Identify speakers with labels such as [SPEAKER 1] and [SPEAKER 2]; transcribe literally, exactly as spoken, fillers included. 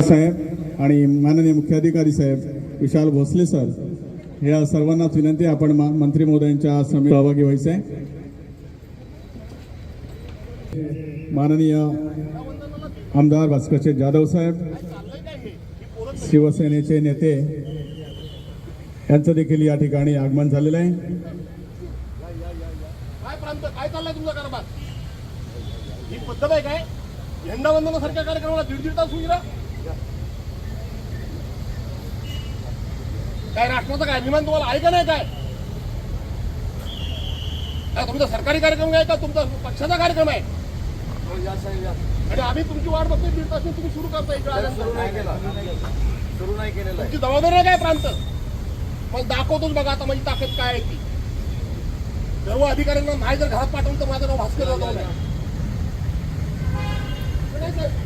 [SPEAKER 1] साहेब आणि माननीय मुख्याधिकारी साहेब विशाल भोसले सर या सर्वांनाच विनंती आपण मंत्री महोदयांच्या समितीत सहभागी व्हायचं आहे। माननीय आमदार भास्करचे जाधव साहेब शिवसेनेचे नेते यांचं देखील या ठिकाणी आगमन झालेलं आहे।
[SPEAKER 2] काय प्रांत काय चाललाय तुमचा कारभार? ही पद्धत आहे काय? झेंडा वंदनासारख्या कार्यक्रमाला दीड दीड तास उशिरा काय राष्ट्राचा काय अभिमान तुम्हाला आहे का नाही? काय काय तुमचा सरकारी कार्यक्रम आहे का तुमचा पक्षाचा कार्यक्रम आहे? आणि आम्ही तुमची वाट बघतोय दीड तास तुम्ही सुरू करताय सुरू नाही केला सुरू नाही केलेला तुमची जबाबदारी आहे काय प्रांत? मग दाखवतोच बघा आता माझी ताकद काय आहे ती। सर्व अधिकाऱ्यांना नाही जर घरात पाठवून तर माझं नाव भास्कर जाधव नाही।